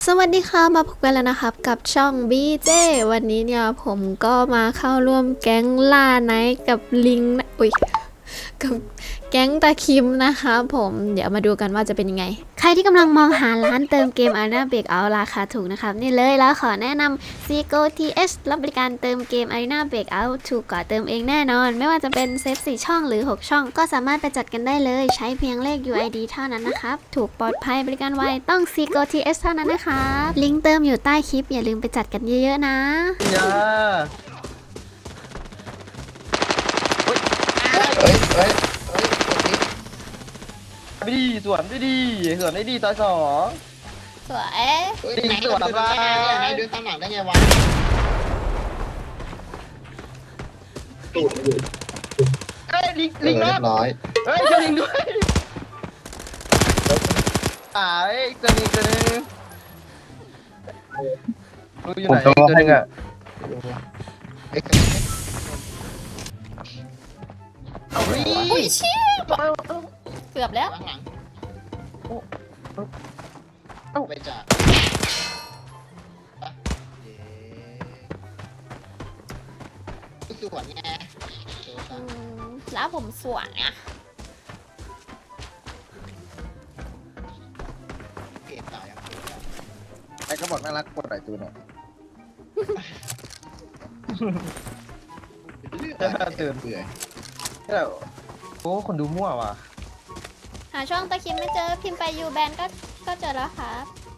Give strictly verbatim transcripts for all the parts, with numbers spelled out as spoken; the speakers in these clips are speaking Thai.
สวัสดีค่ะมาพบกันแล้วนะครับกับช่อง บี เจ วันนี้เนี่ยผมก็มาเข้าร่วมแก๊งล่าไนท์กับลิงนะอุ้ยกับแก๊งตาคิมนะคะผมเดี๋ยวมาดูกันว่าจะเป็นยังไงใครที่กำลังมองหาร้านเติมเกม Arena Breakout ราคาถูกนะครับนี่เลยแล้วขอแนะนำ ซี โก ที เอช รับบริการเติมเกม Arena Breakout ถูกกว่าเติมเองแน่นอนไม่ว่าจะเป็นเซตสี่ช่องหรือหกช่องก็สามารถไปจัดกันได้เลยใช้เพียงเลข ยู ไอ ดี เท่านั้นนะครับถูกปลอดภัยบริการไวต้อง ซี โก ที เอช เท่านั้นนะคะลิงก์เติมอยู่ใต้คลิปอย่าลืมไปจัดกันเยอะๆนะอย่าเฮ้ยเฮ้ยเฮ้ยกดดิไปดีสวนได้ดีสวนได้ดีตาสองสวยเฮ้ยดิไหนสวนเดินมาตามหลังได้ไงเดินตามหลังได้ไงวะตูดอยู่เฮ้ยลิงเอลิอง เรีรอย ดบร้อยเฮ้ยจะลิงด้วยอ่าเอ้ยจะลิงจะลิงรู้อยู่ไหนตัวนึงอ่ะเอ้ยเอาวิ่อุ้ยงเชี่ยเกือบแล้วข้างหลังเอ้าไปจ่าเย้สวนไงอืมแล้วผมสวยอ่ะเก็บตายยังไอ้ก็บอกน่ารักกดไหลตัวเนี่ยเลือดเตือนเบื่อแล้วโอ้คนดูมั่วว่ะหาช่องตะคิมไม่เจอพิมพ์ไปยูแบนก็ก็เจอแล้วครับ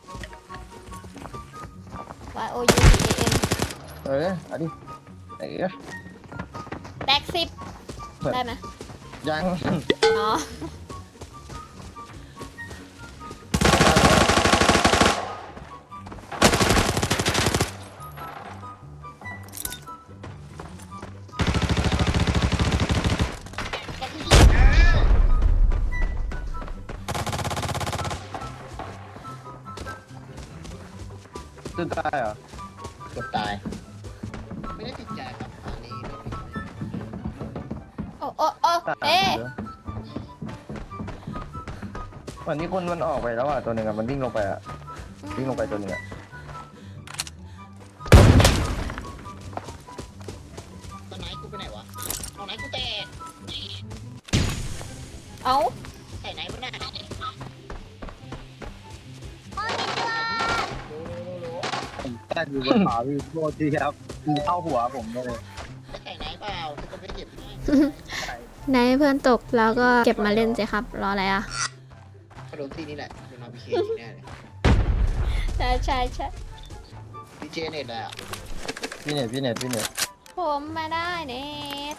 Y O U B A N เออเอาดิไอ้เอ้ยแตกสิบได้ไหมยังอ๋อจนตายเหรอเกือบตายไม่ได้ติดใจครับอันนี้ไม่ติดใจโอ้โอ้โอ้ตายเอ๊ะวันนี้คนมันออกไปแล้วอ่ะตัวหนึ่งอ่ะมันวิ่งลงไปอ่ะวิ่งลงไปตัวหนึ่งอ่ะตอนไหนกูไปไหนวะตอนไหนกูแตกเอ้าใส่ไหนวะน่ะโลโลโลผมแค่อยู่บนขาพี่โทษทีครับคือเข้าหัวผมเลยไม่ใส่ไหนเปล่าจะไปเก็บให้ในเพื่อนตกแล้วก็เก็บมาเล่นสิครับ รออะไรอ่ะกระโดดที่นี่แหละเป็นอาร์พีเคแน่เลยใช่ใช่ใช่ดีเจเน็ตเลยอ่ะพี่เน็ตพี่เน็ตพี่เน็ตผมมาได้เน็ต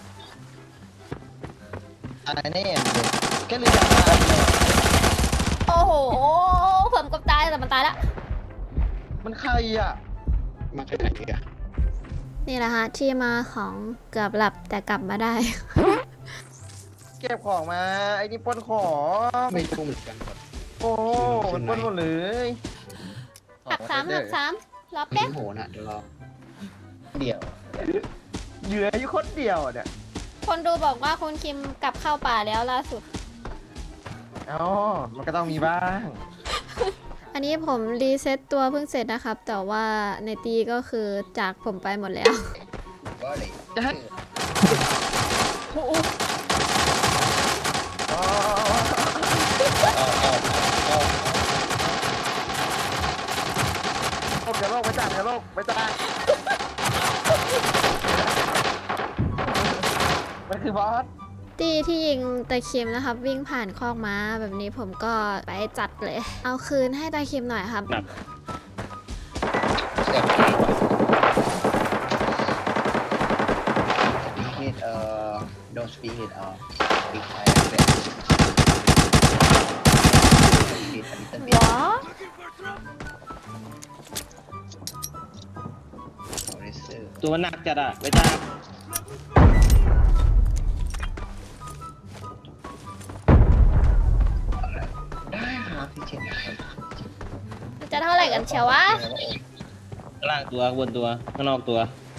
อะไรแน่เลยแค่ลืมจำได้โอ้โหผมกับตายแต่มันตายแล้วมันใครอ่ะมาจากไหนอ่ะนี่แหละฮะที่มาของเกือบหลับแต่กลับมาได้เก็บของมาไอ้นี่ปล้นของไม่รู้เหมือนกันครับโอ้มันปล้นหมดเลยหักสามหักสามรอไม่แป๊บรู้โหน่ะเดี๋ยวรอเดี๋ยวเหยื่ออยู่คนเดียวเนี่ยคนดูบอกว่าคุณคิมกลับเข้าป่าแล้วล่าสุดอ๋อมันก็ต้องมีบ้างอันนี้ผมรีเซ็ตตัวเพิ่งเสร็จนะครับ แต่ว่าในตีก็คือจากผมไปหมดแล้วก็เลยจะให้โอ้โหอ๋อเอาเอาเอาโลกอย่าโลกไปจ้าอย่าโลกไปจ้ามันคือบอสตีที่ยิงตะคิมนะครับ วิ่งผ่านคอกม้าแบบนี้ผมก็ไปจัดเลย เอาคืนให้ตะคิมหน่อยครับเสียบไป it เอ่อ don't speak it เอ่อ speak Thai a little bit speak a little bit ว้า Racer ตัวหนักจัดอะไปจ้าได้ครับพี่เจนครับมันจะเท่าไหร่กันเชียววะข้างล่างตัวข้างบนตัวข้างนอกตัว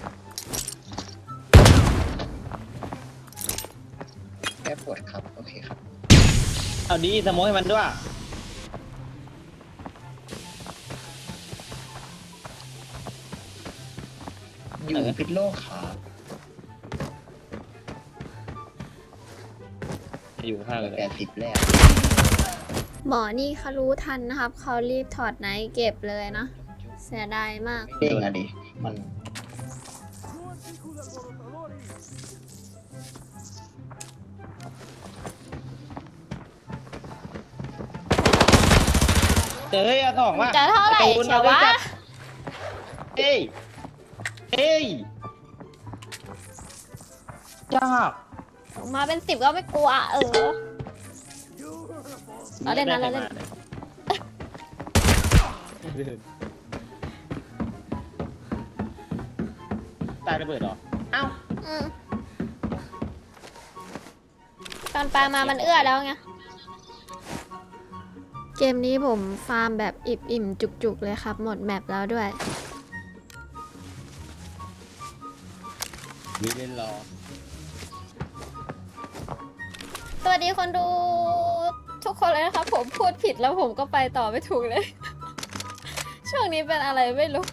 แค่ปวดครับโอเคครับเอาดีสโมกให้มันด้วยอยู่พิษโลกขาอยู่ข้างเลยแปดสิบแล้วหมอนี่เขารู้ทันนะครับ เขารีบถอดไนท์เก็บเลยนะ เสียดายมากเด้งอะดิมันเจอเฮ้ยเอาสองว่ะจะเท่าไหร่ตูนเชียววะอาไจัดเฮ้ยเฮ้ยยากมาเป็นสิบก็ไม่กลัว เออ เราเล่นนะเราเล่นตายระเบิดเหรอเอ้าอืมตอนปลามามันเอื้อแล้วไง เกมนี้ผมฟาร์มแบบอิ่มๆ จุกๆ เลยครับ หมดแมปแล้วด้วยมีเล่นรอสวัสดีคนดูทุกคนเลยนะครับ ผมพูดผิดแล้วผมก็ไปต่อไม่ถูกเลย ช่วงนี้เป็นอะไรไม่รู้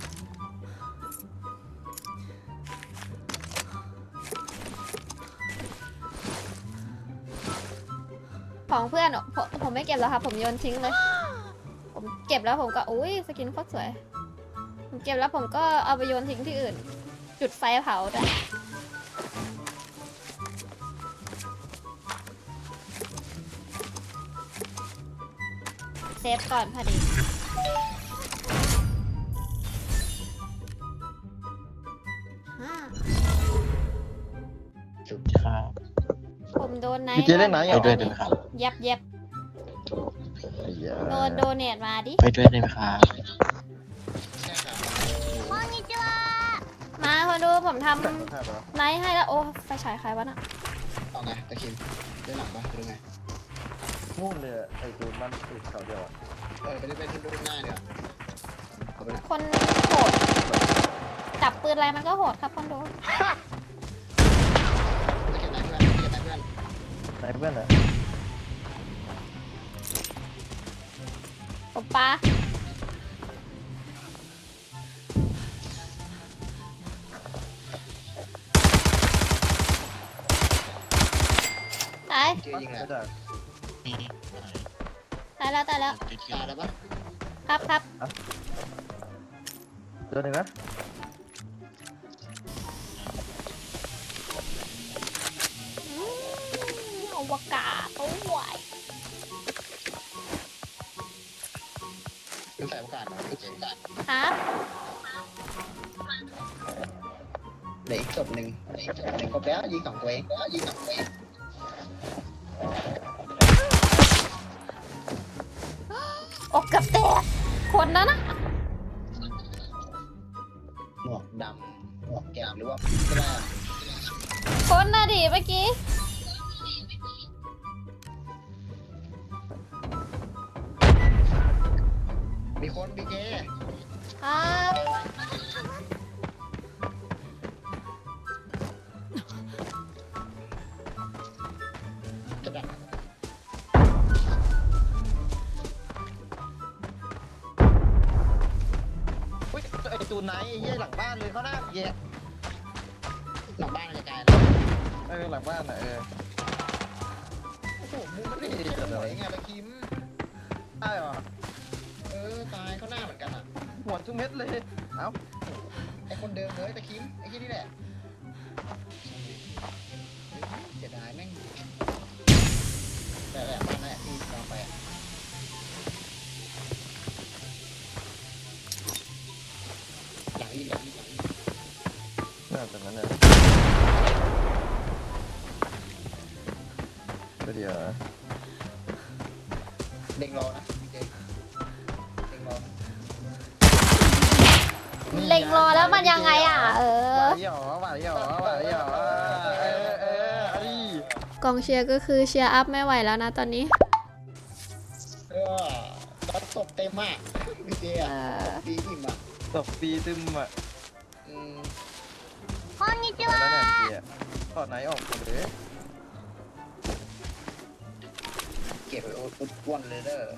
ของเพื่อนอะผมผมไม่เก็บแล้วครับ ผมโยนทิ้งเลย ผมเก็บแล้วผมก็อุ้ยสกินโคตรสวย ผมเก็บแล้วผมก็เอาไปโยนทิ้งที่อื่น จุดไฟเผาด้วยเซฟก่อนพอดีฮ่าสุดครับผมโดนไนพี่เจเล่นไหนไปอ่ะด้วยได้ไหมครับเย็บเย็บไอ้เหี้ยโดนโดเนทมาดิไปด้วยได้ไหมครับใช่ครับมาคนดูผมทแต่งภาพเหรอำไนท์ให้แล้ว โอ้ไฟฉายใครวะน่ะเอาไงตะคิมได้หลังปะหรือไงนู่นเลยอะไอ้ตูนมันติดเขาเดียวอะเออไปได้ไปที่รูปหน้าเดี๋ยวเอาไปเลยคนโหด จับปืนอะไรมันก็โหดครับคนดูไปเก็บได้เพื่อนไปเก็บได้เพื่อนไหนเพื่อนอะผมปาตายเจอยิงแหละไม่ได้ตายแล้วตายแล้วตายแล้วปะครับครับเจอหนึ่งนะอืมอวกาศตัวใหญ่เป็นสายโอกาสเหรอเป็นสายโอกาสครับเหลืออีกศพหนึ่งเหลืออีกศพหนึ่งครบแล้วยิงสองตัวเองแล้วยิงสองตัวเองโอ้เกับแตกคนนั้นนะหมวกดำหมวกแก้มหรือว่าก็ได้คนน่ะดิเมื่อกี้มีคนบีเจครับจะดักอุ้ยไอ้ตูนไหนไอ้เหี้ยหลังบ้านเลยเขาหน้าเหี้ยหลังบ้านกระจายเออหลังบ้านอะเออโอ้โหมุมมันไม่ได้สวยไงตะคิมได้เหรอเออตายเขาหน้าเหมือนกันอ่ะหัวทุกเม็ดเลยเอ้าไอคนเดิมเลยตะคิมไอ้ที่นี่แหละเสียดายแม่งแต่แหละบ้านนั่นแหละที่เราไปอะหลังอีกหลังอีกหลังอีกน่าจะนั้นเลยก็เดี๋ยวเด้งรอนะพี่เจเด้งรอเล็งรอแล้วมันยังไงอ่ะ เอหอวานหยอหวานหยอหวานหยอเออเออเอาดิกองเชียร์ก็คือเชียร์อัพไม่ไหวแล้วนะตอนนี้เออรถตบเต็มมากพี่เจเออ่ะอดีอิ่มอ่ะตบปีตึมอ่ะอืมแล้วเนี่ยเจียถอดไหนออกหมดเลยเก็บไว้โอ๊ตอ้วนเลยเด้อ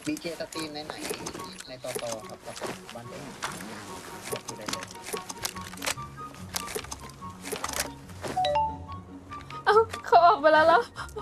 ดีเจสตรีมในไหนในต่อต่อครับกับบ้านเองคือได้เลยเอ้าเขาออกไปแล้วเหรอ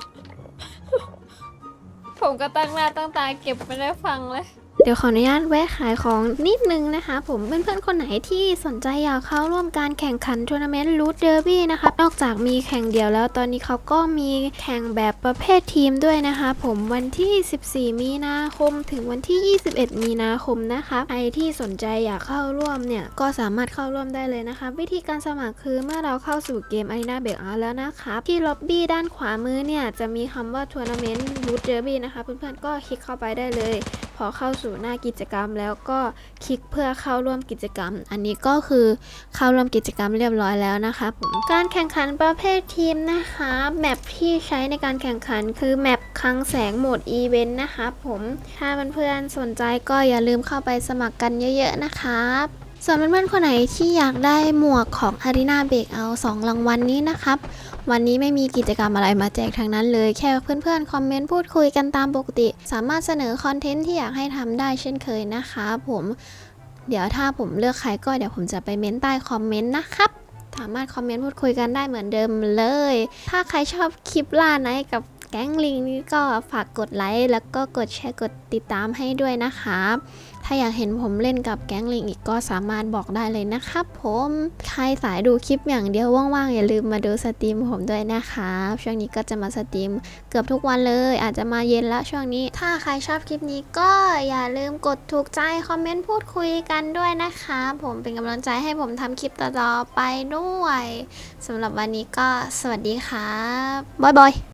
ผมก็ตั้งหน้าตั้งตาเก็บไม่ได้ฟังเลย เดี๋ยวขออนุญาตแวะขายของนิดนึงนะคะผมเพื่อนๆคนไหนที่สนใจอยากเข้าร่วมการแข่งขันทัวร์นาเมนต์รูทเดอร์บี้นะคะนอกจากมีแข่งเดียวแล้วตอนนี้เขาก็มีแข่งแบบประเภททีมด้วยนะคะผมวันที่สิบสี่มีนาคมถึงวันที่ยี่สิบเอ็ดมีนาคมนะคะใครที่สนใจอยากเข้าร่วมเนี่ยก็สามารถเข้าร่วมได้เลยนะคะวิธีการสมัครคือเมื่อเราเข้าสู่เกม Arena Breakout แล้วนะคะที่ล็อบบี้ด้านขวามือเนี่ยจะมีคำว่าทัวร์นาเมนต์รูทเดอร์บี้นะคะเพื่อนๆก็คลิกเข้าไปได้เลยพอเข้าสู่หน้ากิจกรรมแล้วก็คลิกเพื่อเข้าร่วมกิจกรรมอันนี้ก็คือเข้าร่วมกิจกรรมเรียบร้อยแล้วนะคะผมการแข่งขันประเภททีมนะคะแมปที่ใช้ในการแข่งขันคือแมปคลังแสงโหมดอีเวนต์นะคะผมถ้าเพื่อนๆสนใจก็อย่าลืมเข้าไปสมัครกันเยอะๆนะครับส่วนเพื่อนๆคนไหนที่อยากได้หมวกของ Arena Breakout สองรางวัล นนี้นะครับวันนี้ไม่มีกิจกรรมอะไรมาแจกทั้งนั้นเลยแค่เพื่อนๆคอมเมนต์พูดคุยกันตามปกติสามารถเสนอคอนเทนต์ที่อยากให้ทำได้เช่นเคยนะคะผมเดี๋ยวถ้าผมเลือกใครก็เดี๋ยวผมจะไปเม้นใต้คอมเมนต์นะครับสามารถคอมเมนต์พูดคุยกันได้เหมือนเดิมเลยถ้าใครชอบคลิปล่าไนท์กับแก๊งลิงนี้ก็ฝากกดไลค์แล้วก็กดแชร์กดติดตามให้ด้วยนะครับถ้าอยากเห็นผมเล่นกับแก๊งลิงอีกก็สามารถบอกได้เลยนะครับผมใครสายดูคลิปอย่างเดียวว่างๆอย่าลืมมาดูสตรีมผมด้วยนะครับช่วงนี้ก็จะมาสตรีมเกือบทุกวันเลยอาจจะมาเย็นละช่วงนี้ถ้าใครชอบคลิปนี้ก็อย่าลืมกดถูกใจคอมเมนต์พูดคุยกันด้วยนะคะผมเป็นกำลังใจให้ผมทำคลิปต่อๆไปด้วยสำหรับวันนี้ก็สวัสดีครับบ๊ายบาย